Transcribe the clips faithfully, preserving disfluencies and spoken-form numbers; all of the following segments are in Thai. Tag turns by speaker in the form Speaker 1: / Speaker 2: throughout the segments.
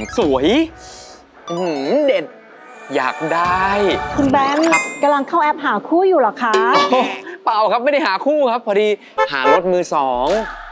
Speaker 1: สวยเด็ดอยากได้
Speaker 2: คุณแบงค์กำลังเข้าแอปหาคู่อยู่หรอคะ
Speaker 1: เปล่าครับไม่ได้หาคู่ครับพอดีหารถมือสอง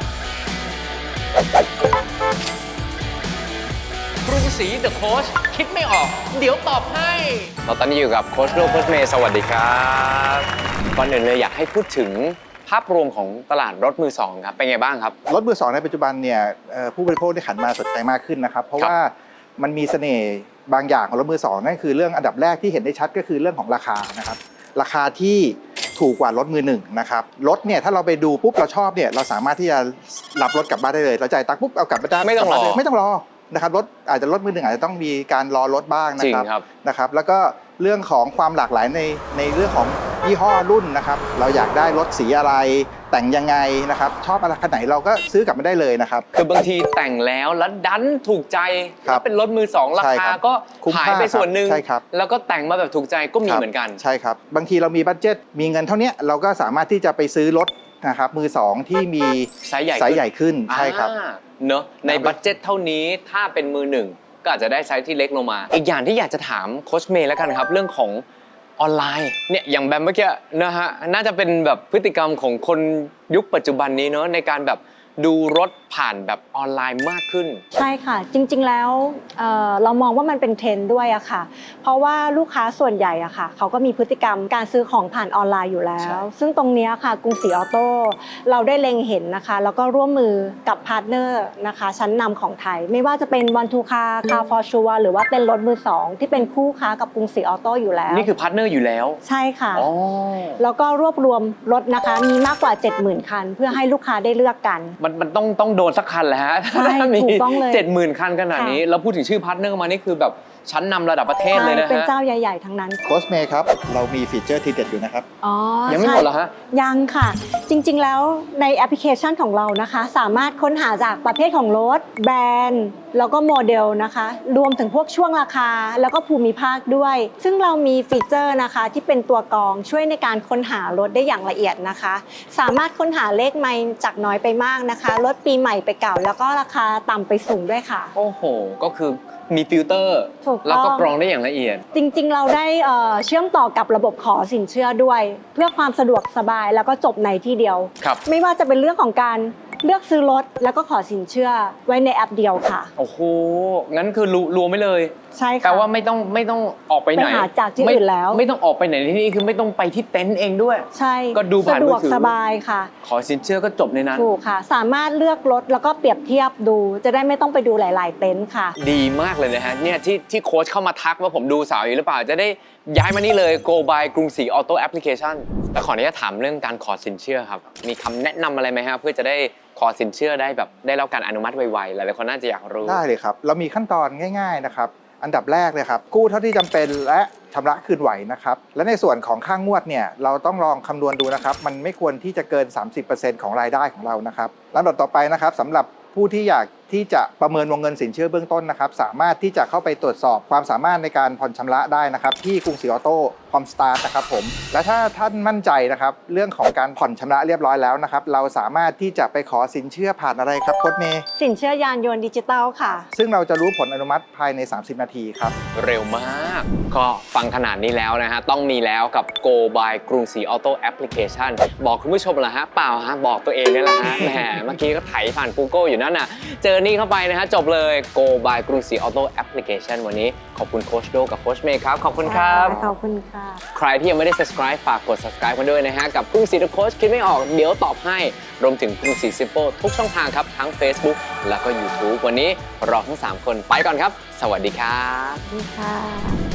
Speaker 1: กรุงศรีเดอะโค้ชคิดไม่ออกเดี๋ยวตอบให้เราตอนนี้อยู่กับโค้ชโรโค้ชเมย์สวัสดีครับก่อนอื่นเลยอยากให้พูดถึงภาพรวมของตลาดรถมือสองครับเป็นไงบ้างครับ
Speaker 3: รถมือสองในปัจจุบันเนี่ยผู้บริโภคได้หันมาสนใจมากขึ้นนะครับเพราะว่ามันมีเสน่ห์บางอย่างของรถมือสองนั่นคือเรื่องอันดับแรกที่เห็นได้ชัดก็คือเรื่องของราคานะครับราคาที่ถูกกว่ารถมือหนึ่งนะครับรถเนี่ยถ้าเราไปดูปุ๊บเราชอบเนี่ยเราสามารถที่จะรับรถกลับบ้านได้เลยเราจ่ายตังค์ปุ๊บเอากลับบ้าน
Speaker 1: ไม่ต้องรอ
Speaker 3: ไม่ต้องรอนะครับรถอาจจะรถมือหนึ่งอาจจะต้องมีการรอรถบ้างนะครับนะครับแล้วก็เรื่องของความหลากหลายในในเรื่องของยี่ห้อรุ่นนะครับเราอยากได้รถสีอะไรแต่งยังไงนะครับชอบอะไรขนาดไหนเราก็ซื้อกลับมาได้เลยนะครับ
Speaker 1: คือบางทีแต่งแล้วแล้วดันถูกใจถ้าเป็นรถมือสองราคาก็หายไปส่วนหนึ่งแล้วก็แต่งมาแบบถูกใจก็มีเหมือนกัน
Speaker 3: ใช่ครับบางทีเรามีบัดเจ็ตมีเงินเท่านี้เราก็สามารถที่จะไปซื้อรถนะครับมือสองที่มี
Speaker 1: ไซส์ใหญ่
Speaker 3: ไซส์ใหญ่ขึ้นใช่ครับ
Speaker 1: เนอะในบัดเจ็ตเท่านี้ถ้าเป็นมือหนึ่งก็อาจจะได้ไซส์ที่เล็กลงมาอีกอย่างที่อยากจะถามโค้ชเมย์แล้วกันครับเรื่องของออนไลน์เนี่ยอย่างแบบเมื่อกี้นะฮะน่าจะเป็นแบบพฤติกรรมของคนยุคปัจจุบันนี้เนอะในการแบบดูรถผ่านแบบออนไลน์มากขึ้น
Speaker 2: ใช่ค่ะจริงๆแล้ว เ, เรามองว่ามันเป็นเทรนด์ด้วยอะค่ะเพราะว่าลูกค้าส่วนใหญ่อะค่ะเขาก็มีพฤติกรรมการซื้อของผ่านออนไลน์อยู่แล้วซึ่งตรงนี้ค่ะกรุงศรีออโต้เราได้เล็งเห็นนะคะแล้วก็ร่วมมือกับพาร์ทเนอร์นะคะชั้นนำของไทยไม่ว่าจะเป็นวันทูคาคาฟอร์ชัวหรือว่าเป็นรถมือสองที่เป็นคู่ค้ากับกรุงศรีออโต้อยู่แล้ว
Speaker 1: นี่คือพาร์ทเนอร์อยู่แล้ว
Speaker 2: ใช่ค่ะแล้วก็รวบรวมรถนะคะมีมากกว่า เจ็ดหมื่น คันเพื่อให้ลูกค้าได้เลือกกัน
Speaker 1: มันมันต้องต้องโดนสักคันแหละฮะ
Speaker 2: ใช่ถูกต้องเลย
Speaker 1: เจ็ดหมื่นคันขนาดนี้แล้วพูดถึงชื่อพาร์ทเนอร์มานี่คือแบบชั้นนำระดับประเทศเลยนะฮะ
Speaker 2: เป็นเจ้าใหญ่ๆทั้งนั้น
Speaker 3: โค้ชเมย์ครับเรามีฟีเจอร์ทีเด็ดอยู่นะครับ
Speaker 2: อ๋อ
Speaker 1: ยังไม่หมดเหรอฮะ
Speaker 2: ยังค่ะจริงๆแล้วในแอปพลิเคชันของเรานะคะสามารถค้นหาจากประเภทของรถแบรนด์แล้วก็โมเดลนะคะรวมถึงพวกช่วงราคาแล้วก็ภูมิภาคด้วยซึ่งเรามีฟีเจอร์นะคะที่เป็นตัวกรองช่วยในการค้นหารถได้อย่างละเอียดนะคะสามารถค้นหาเลขไมล์จากน้อยไปมากนะคะรถปีใหม่ไปเก่าแล้วก็ราคาต่ำไปสูงด้วยค่ะ
Speaker 1: โอ้โหก็คือมีฟิลเตอร์แล้วก็กรองได้อย่างละเอียด
Speaker 2: จริงๆเราได้เชื่อมต่อกับระบบขอสินเชื่อด้วยเพื่อความสะดวกสบายแล้วก็จบในที่เดียวไม่ว่าจะเป็นเรื่องของการเลือกซื้อรถแล้วก็ขอสินเชื่อไว้ในแอปเดียวค่ะ
Speaker 1: โอ้โหงั้นคือรวมไม่เลย
Speaker 2: ใช่ค่ะ
Speaker 1: แปลว่าไม่ต้องไม่ต้องออกไปไหน
Speaker 2: ไปหาจากที่อื่นแล้ว
Speaker 1: ไม่ต้องออกไปไหนที่นี่คือไม่ต้องไปที่เต็นท์เองด้วย
Speaker 2: ใช่
Speaker 1: ก็ดูผ่านมือถือ
Speaker 2: สะดวกสบายค่ะ
Speaker 1: ขอสินเชื่อก็จบในนั้น
Speaker 2: ถูกค่ะสามารถเลือกรถแล้วก็เปรียบเทียบดูจะได้ไม่ต้องไปดูหลายๆเต็นท์ค่ะ
Speaker 1: ดีมากเลยนะฮะเนี่ยที่ที่โค้ชเข้ามาทักว่าผมดูสาวอยู่หรือเปล่าจะได้ย้ายมานี่เลย Go by กรุงศรีออโต้แอปพลิเคชันแล้วขออนุญาตถามเรื่องการขอสินเชื่อครับมีคำแนะนำอะไรไหมฮะเพื่อจะได้ขอสินเชื่อได้แบบได้รับการอนุมัติไวๆหลายๆคนน่าจะอยากรู้
Speaker 3: ได้เลยครับเรามีขั้นตอนง่ายๆนะครับอันดับแรกเลยครับกู้เท่าที่จำเป็นและชำระคืนไหวนะครับและในส่วนของค่างวดเนี่ยเราต้องลองคำนวณดูนะครับมันไม่ควรที่จะเกิน สามสิบเปอร์เซ็นต์ ของรายได้ของเรานะครับลำดับต่อไปนะครับสำหรับผู้ที่อยากที่จะประเมินวงเงินสินเชื่อเบื้องต้นนะครับสามารถที่จะเข้าไปตรวจสอบความสามารถในการผ่อนชำระได้นะครับที่กรุงศรีออโต้พร้อมสตาร์ทนะครับผมและถ้าท่านมั่นใจนะครับเรื่องของการผ่อนชำระเรียบร้อยแล้วนะครับเราสามารถที่จะไปขอสินเชื่อผ่านอะไรครับโค้ชเมย์
Speaker 2: สินเชื่อยานยนต์ดิจิตอลค่ะ
Speaker 3: ซึ่งเราจะรู้ผลอนุมัติภายในสามสิบนาทีครับ
Speaker 1: เร็วมากก็ฟังขนาดนี้แล้วนะฮะต้องมีแล้วกับ Go by กรุงศรีออโต้แอปพลิเคชันบอกคุณผู้ชมเหรอฮะเปล่าฮะบอกตัวเองนี่แหละฮะแหมเมื่อกี้ก็ไถผ่าน Google อยู่นั่นน่ะเจอนี่เข้าไปนะฮะจบเลย Go by กรุงศรีออโต้แอปพลิเคชันวันนี้ขอบคุณโค้ชโดกับโค้ชเมย์ครับขอบคุณครับ
Speaker 2: ขอบคุณค่ะ
Speaker 1: ใครที่ยังไม่ได้ subscribe ฝากกด subscribe กันด้วยนะฮะกับกรุงศรีเดอะโค้ชคิดไม่ออกเดี๋ยวตอบให้รวมถึงกรุงศรีซิมเปิลทุกช่องทางครับทั้ง Facebook แล้วก็ YouTube วันนี้เราทั้งสามคนไปก่อนครับสวัสดีครับ
Speaker 2: สวัสดีค่ะ